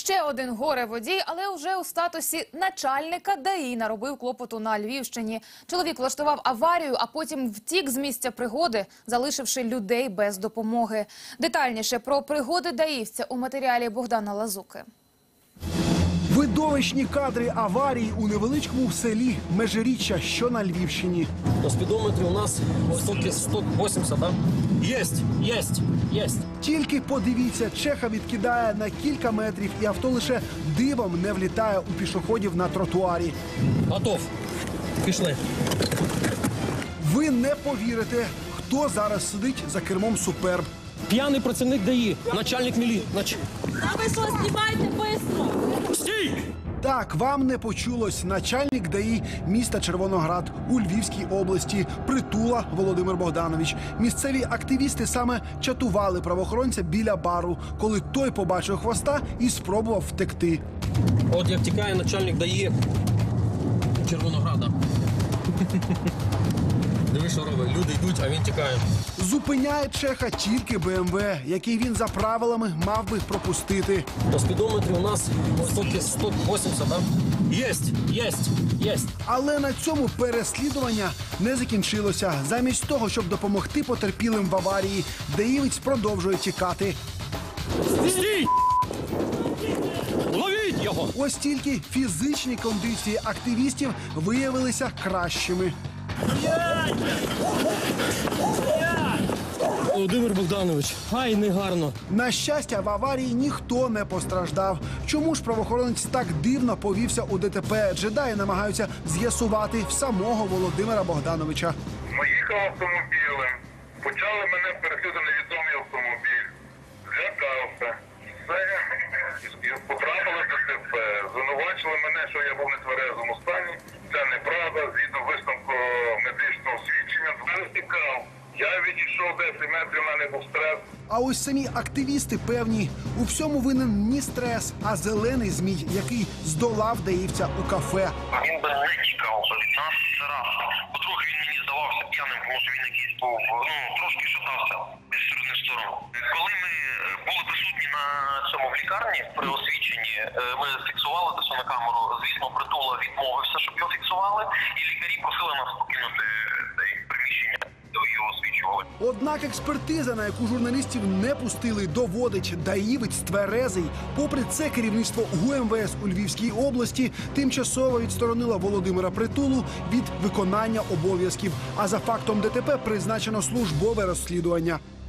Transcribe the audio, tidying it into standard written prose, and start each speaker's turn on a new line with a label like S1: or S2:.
S1: Ще один горе-водій, але вже у статусі начальника ДАІ наробив клопоту на Львівщині. Чоловік влаштував аварію, а потім втік з місця пригоди, залишивши людей без допомоги. Детальніше про пригоди даївця у матеріалі Богдана Лазуки.
S2: Видовищні кадри аварії у невеличкому селі Межиріччя, що на Львівщині.
S3: На спідометрі у нас 180, да? Єсть.
S2: Тільки подивіться, Чеха відкидає на кілька метрів, і авто лише дивом не влітає у пішоходів на тротуарі.
S3: Готов. Пішли.
S2: Ви не повірите, хто зараз сидить за кермом «Суперб».
S3: П'яний працівник ДАІ, начальник мілі.
S4: А ви що, знімайте бистро?
S3: Стій!
S2: Так, вам не почулось. Начальник ДАІ міста Червоноград у Львівській області Притула Володимир Богданович. Місцеві активісти саме чатували правоохоронця біля бару, коли той побачив хвоста і спробував втекти.
S3: От як тікає начальник ДАІ Червонограда. Диви, що робить. Люди йдуть, а він тікає.
S2: Зупиняє Чеха тільки БМВ, який він за правилами мав би пропустити.
S3: На спідометрі у нас 180, да? Єсть.
S2: Але на цьому переслідування не закінчилося. Замість того, щоб допомогти потерпілим в аварії, даївець продовжує тікати.
S3: Стій! Ловіть його!
S2: Ось тільки фізичні кондиції активістів виявилися кращими.
S3: Володимир Богданович, ай, негарно.
S2: На щастя, в аварії ніхто не постраждав. Чому ж правоохоронець так дивно повівся у ДТП? Джедаї намагаються з'ясувати в самого Володимира Богдановича.
S5: Їхав автомобілем, почали мене переслідувати невідомий автомобіль. Злякався. Все, потрапили в ДТП. Звинувачили мене, що я був в нетверезому стані. Це неправда, згідно висновку медичного свідчення. Втікав. Я відійшов 10 метрів, в мене був стрес.
S2: А ось самі активісти певні, у всьому винен не стрес, а зелений змій, який здолав даївця у кафе.
S6: Він би не тікав від нас, це раз. По-друге, він мені здавався п'яним, тому що він якийсь був, трошки шатався з сторони в сторону. Коли ми були присутні на цьому в лікарні при освідченні, ми фіксували це все на камеру. Звісно, Притула відмовився, щоб його фіксували, і лікарі просили нас покинути приміщення, де його освідчували.
S2: Однак експертиза, на яку журналістів не пустили, доводить, даївець тверезий. Попри це, керівництво ГУМВС у Львівській області тимчасово відсторонило Володимира Притулу від виконання обов'язків. А за фактом ДТП призначено службове розслідування.